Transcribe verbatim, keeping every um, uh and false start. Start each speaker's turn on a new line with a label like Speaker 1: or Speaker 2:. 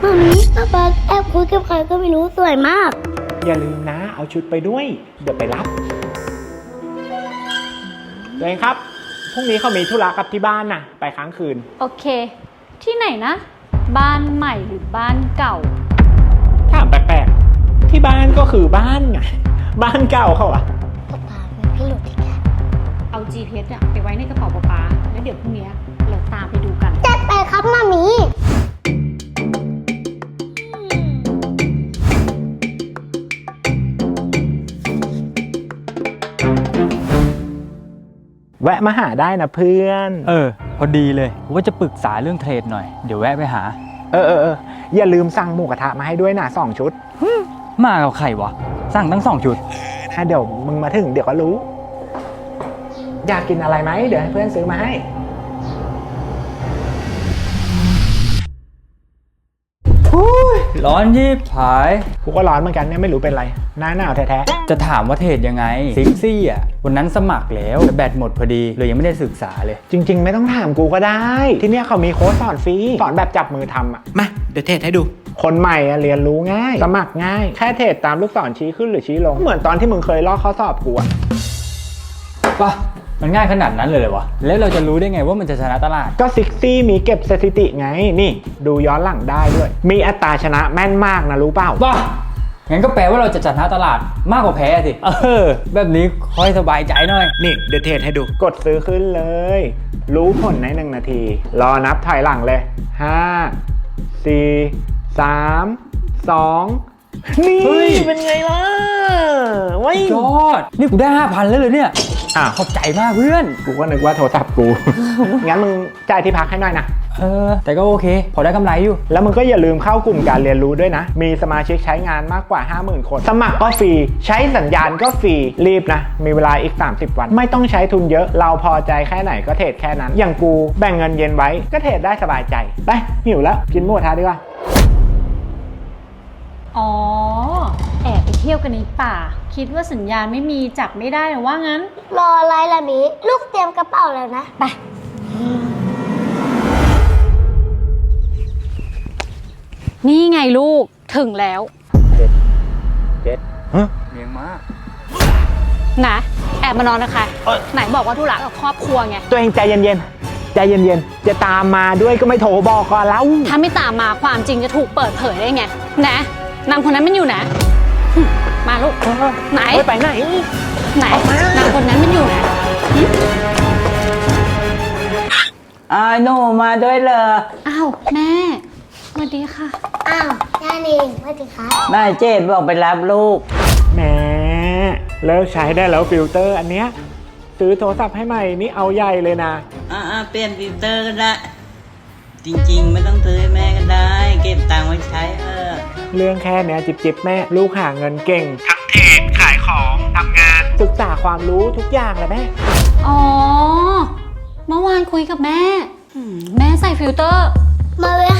Speaker 1: มามีป้าป๊าแอบคุยกับใครก็ไม่รู้สวยมาก
Speaker 2: อย่าลืมนะเอาชุดไปด้วยเดี๋ยวไปรับตัวเองครับพรุ่งนี้เขามีธุระกับที่บ้านน่ะไปค้างคืน
Speaker 3: โอเคที่ไหนนะบ้านใหม่หรือบ้านเก่า
Speaker 2: ถามแปลกๆที่บ้านก็คือบ้านไงบ้านเก่าเขาอะ
Speaker 1: ป้าป๊าเป็นพี่หลุดที่แก
Speaker 3: เอา จี พี เอส อะไปไว้ในกระเป๋าป๊าๆแล้วเดี๋ยวพรุ่งนี้เราตามไปดูกัน
Speaker 1: จัดไปครับมามี
Speaker 2: แวะมาหาได้นะเพื่อน
Speaker 4: เออพอดีเลยว่าจะปรึกษาเรื่องเทรดหน่อยเดี๋ยวแวะไปหา
Speaker 2: เออเออเอออย่าลืมสั่งหมูกระทะมาให้ด้วยนะสองชุด
Speaker 4: มากับใครวะสั่งทั้งสองชุด
Speaker 2: ถ้าเดี๋ยวมึงมาถึงเดี๋ยวก็รู้อยากกินอะไรไหมเดี๋ยวให้เพื่อนซื้อมาให้
Speaker 4: ร้อนยิบหาย
Speaker 2: กูก็ร้อนเหมือนกันเนี่ยไม่รู้เป็นไรหน้าหนาวแท้
Speaker 4: ๆจะถามว่าเทรดยังไงซิกซี่อ่ะวันนั้นสมัครแล้วแต่แบตหมดพอดีเลยยังไม่ได้ศึกษาเลย
Speaker 2: จริงๆไม่ต้องถามกูก็ได้ที่เนี่ยเขามีโค้ชสอนฟรีสอนแบบจับมือทำอ่ะมาเดี๋ยวเทรดให้ดูคนใหม่อะเรียนรู้ง่ายสมัครง่ายแค่เทรดตามลูกศรชี้ขึ้นหรือชี้ลงเหมือนตอนที่มึงเคยลอกข้อสอบกูอะ
Speaker 4: ป่ะมันง่ายขนาดนั้นเลยเหรอวะแล้วเราจะรู้ได้ไงว่ามันจะชนะตลาด
Speaker 2: ก็ซิกซี่มีเก็บสถิติไงนี่ดูย้อนหลังได้ด้วยมีอัตราชนะแม่นมากนะรู้เปล่า
Speaker 4: ป่ะงั้นก็แปลว่าเราจะชนะตลาดมากกว่าแพ้สิเออแบบนี้ค่อยสบายใจหน่อย
Speaker 2: นี่เดี๋ยวเทรดให้ดูกดซื้อขึ้นเลยรู้ผลในหนึ่งนาทีรอนับถอยหลังเลยห้าสี่สามสองนี่เป็นไงล่ะว้าย
Speaker 4: ยอดนี่กูได้ห้าพันแล้วเลยเนี่ย
Speaker 2: อ่ะ
Speaker 4: ขอบใจมากเพื่อน
Speaker 2: กูก็นึกว่าโทรศัพท์กู งั้นมึงจ่ายที่พักให้หน่อยนะ
Speaker 4: เออแต่ก็โอเคพอได้กำไรอยู่
Speaker 2: แล้วมึงก็อย่าลืมเข้ากลุ่มการเรียนรู้ด้วยนะมีสมาชิกใช้งานมากกว่า ห้าหมื่น คนสมัครก็ฟรีใช้สัญญาณก็ฟรีรีบนะมีเวลาอีกสามสิบวันไม่ต้องใช้ทุนเยอะเราพอใจแค่ไหนก็เทรดแค่นั้นอย่างกูแบ่งเงินเย็นไว้ก็เทรดได้สบายใจไปหิวแล้วกินหมูกระทะดีกว่า
Speaker 3: อ๋อแอบไปเที่ยวกันในป่าคิดว่าสัญญาณไม่มีจับไม่ได้หรือว่างั้น
Speaker 1: รออะไรล่ะมีลูกเตรียมกระเป๋าแล้วนะไป
Speaker 3: นี่ไงลูกถึงแล้ว
Speaker 2: เจ็ดเจ็ดฮะ
Speaker 4: เลี้ยงมา
Speaker 3: นะแอบมานอนนะคะไหนบอกว่าธุระกับครอบครัวไง
Speaker 2: ตัวเองใจเย็นๆใจเย็นๆจะตามมาด้วยก็ไม่โทรบอกก่อนแล้ว
Speaker 3: ถ้าไม่ตามมาความจริงจะถูกเปิดเผยได้ไงนะนางคนนั้นมันอยู่นะมาลูกไหน
Speaker 2: ไปไหน
Speaker 3: ไหนนางคนนั้นมันอยู่นะ
Speaker 5: อ้าวหนูมาด้วยเหรอ
Speaker 3: อ้าวแม่สวัสดีค่ะ
Speaker 1: อ้าวย่าเองสวัสดีค่ะ
Speaker 5: แม่เจดบอกไปรับลูก
Speaker 2: แหมเลิกใช้ได้แล้วฟิลเตอร์อันเนี้ยซื้อโทรศัพท์ให้ใหม่นี่เอาใหญ่เลยนะ
Speaker 5: อ่าเปลี่ยนฟิลเตอร์ก็ได้จริงๆไม่ต้องซื้อให้แม่ก็ได้เก็บตังค์ไว้ใช้เออ
Speaker 2: เรื่องแค่เนี้ยจิบจิบแม่ลูกหาเงินเก่งทั้งเทรดขายของทำงานศึกษาความรู้ทุกอย่างเลยแม่
Speaker 3: อ๋อเมื่อวานคุยกับแม่แม่ใส่ฟิลเตอร์
Speaker 1: มาเว